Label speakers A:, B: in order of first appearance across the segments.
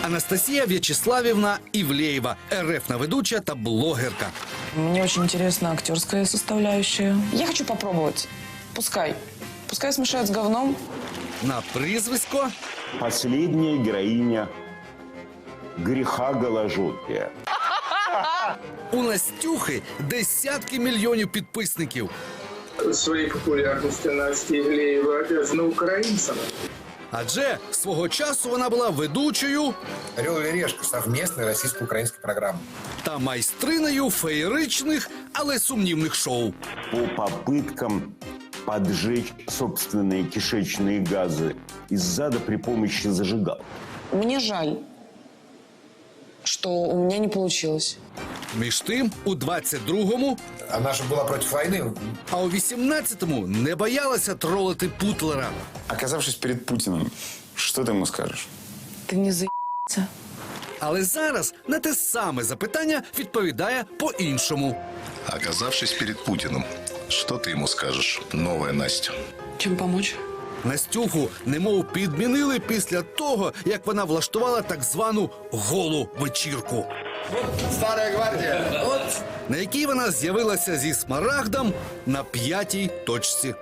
A: Анастасія В'ячеславівна Івлеєва, РФ-на ведуча та блогерка.
B: Мне очень интересна актерская составляющая. Я хочу попробовать. Пускай. Пускай смешают с говном.
A: На прізвисько
C: Последняя героиня греха голожопия.
A: у Настюхи десятки мільйонів підписників.
D: Своей популярностью Настя Ивлеева обязана украинцам.
A: Адже свого часу вона була ведучою
E: «Орел и решка» — совместной российско-украинской программы.
A: та майстринею феєричних, але сумнівних шоу.
C: По попыткам поджечь собственные кишечные газы из зада при помощи зажигалки.
B: Мне жаль, что у меня не получилось.
A: Між тим, у 22-му,
E: Она же была против войны.
A: а у 18-му не боялася тролити Путлера.
F: Оказавшись перед Путиным, что ты ему скажешь?
B: Ты не заебался?
A: Але зараз на те саме запитання відповідає по-іншому.
G: Оказавшись перед Путиным, что ты ему скажешь, новая Настя?
B: Чем помочь?
A: Настюху немов підмінили після того, як вона влаштувала так звану голу вечірку,
E: Старая гвардия.
A: на якій вона з'явилася зі смарагдом на 5-й точці.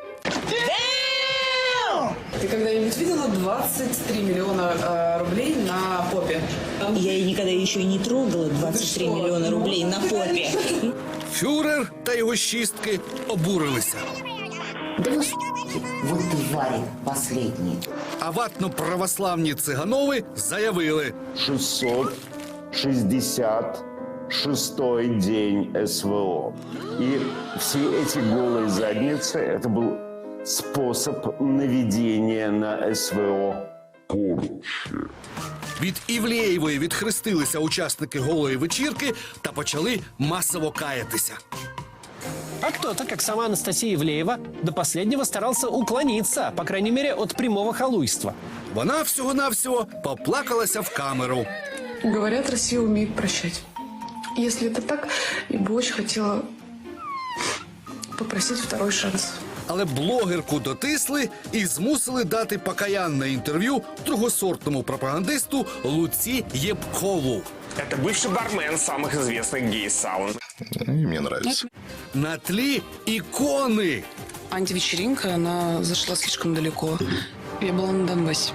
H: Ты когда-нибудь видела 23 миллиона рублей на попе?
I: Я и никогда еще и не трогала 23 миллиона рублей на попе.
A: Фюрер та його шістки обурилися.
J: Да вы вот твари последние.
A: А ватно-православні Циганови заявили:
C: 666-й день СВО. И все эти голые задницы – это был способ наведения на СВО поручи.
A: від Івлеєвої відхрестилися учасники голої вечірки та почали масово каятися.
K: А кто-то, как сама Анастасия Ивлеева, до последнего старался уклониться, по крайней мере, от прямого халуйства.
A: Вона всього-навсього поплакалася в камеру.
H: Говорят, Россия умеет прощать. Если это так, я бы очень хотела попросить второй шанс.
A: Але блогерку дотисли і змусили дати покаянне інтерв'ю другосортному пропагандисту Луці Єпкову.
F: Это бывший бармен самых известных гей-саун.
G: И мне нравится.
A: На тлі ікони.
B: Антивечеринка, она зашла слишком далеко. Я была на Донбассе.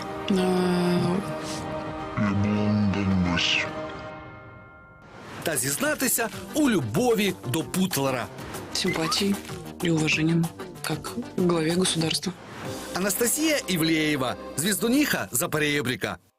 A: Та зізнатися у любові до Путлера.
B: Симпатией и уважением, как к главе государства.
A: Анастасія Івлеєва, звіздуніха Запорєбріка.